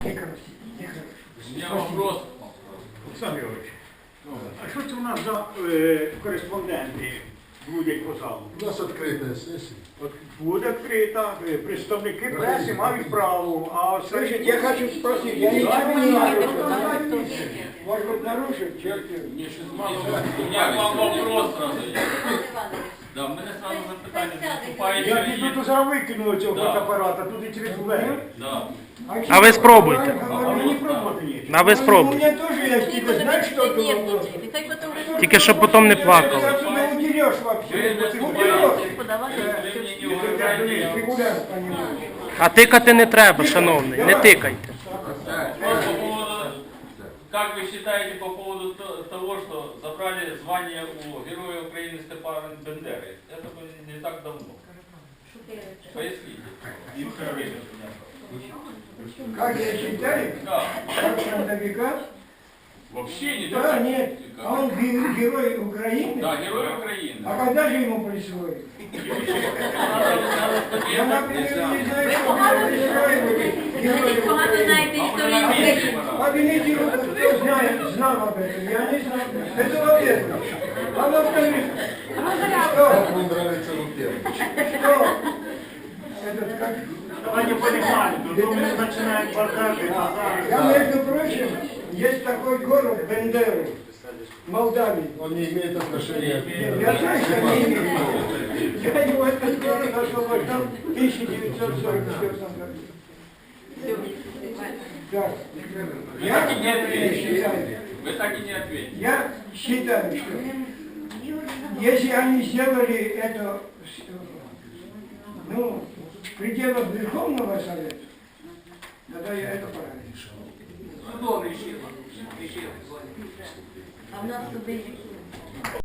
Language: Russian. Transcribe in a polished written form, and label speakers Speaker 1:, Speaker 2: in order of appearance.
Speaker 1: У меня вопрос.
Speaker 2: Олександр Георгійович, а що це у нас за кореспонденти будуть по залу?
Speaker 3: У нас открытая сессия.
Speaker 2: От буде відкрита, представники преси мають право, а
Speaker 4: Слушайте, я хочу спросить, я ничего не нарушил. Может быть, нарушил, черт его.
Speaker 1: Мне сейчас у меня к вам вопрос сразу. Да, у меня сразу запитание.
Speaker 2: я
Speaker 1: Выступающий
Speaker 2: піду
Speaker 1: есть?
Speaker 2: зараз викину цього
Speaker 1: Да.
Speaker 2: фотоапарата, тут і через двері.
Speaker 1: Да.
Speaker 5: А ви спробуйте.
Speaker 2: А мені пробувати є.
Speaker 5: А ви
Speaker 4: У
Speaker 5: спробуйте.
Speaker 4: меня тоже есть, типа, знаешь, что было?
Speaker 5: Тільки щоб потім не
Speaker 4: Ты
Speaker 5: плакали.
Speaker 4: отсюда удерешь вообще.
Speaker 1: Вы
Speaker 4: Удерешь.
Speaker 1: мне не угрожаете.
Speaker 4: Регулярно, понимаешь.
Speaker 5: А тикати не треба, шановний, не тикайте.
Speaker 1: Вопрос по поводу, как вы считаете по поводу того, что забрали звание у Героя Украины Степана Бендеры? Это было не так давно. Поясните.
Speaker 4: Как я считаю,
Speaker 1: Да.
Speaker 4: как фронтовика?
Speaker 1: Вообще не
Speaker 4: Да,
Speaker 1: так.
Speaker 4: нет. А он герой Украины?
Speaker 1: Да, Герой Украины.
Speaker 4: А когда же ему присвоили? Я, например, не знаю, что было присвоили Герой Украины. Обвините его, кто знал об этом. Я не знал. Это во-первых. А во-вторых,
Speaker 3: Как вам нравится Лукьян?
Speaker 4: что? Этот как...
Speaker 2: Давайте полегали, то ми починаємо бардати.
Speaker 4: Я, между прочим, есть такой город Бендеры, Молдавии.
Speaker 3: Он не имеет отношения к...
Speaker 4: Я знаю, что не имею. Я его этот город освобождал в 1944 году. Да.
Speaker 1: Вы так и не
Speaker 4: Я
Speaker 1: ответили.
Speaker 4: считаю,
Speaker 1: Вы так и не ответили.
Speaker 4: я считаю, что если они сделали это, ну, в пределах Верховного Совета, тогда я это правильно.
Speaker 6: А в нас туди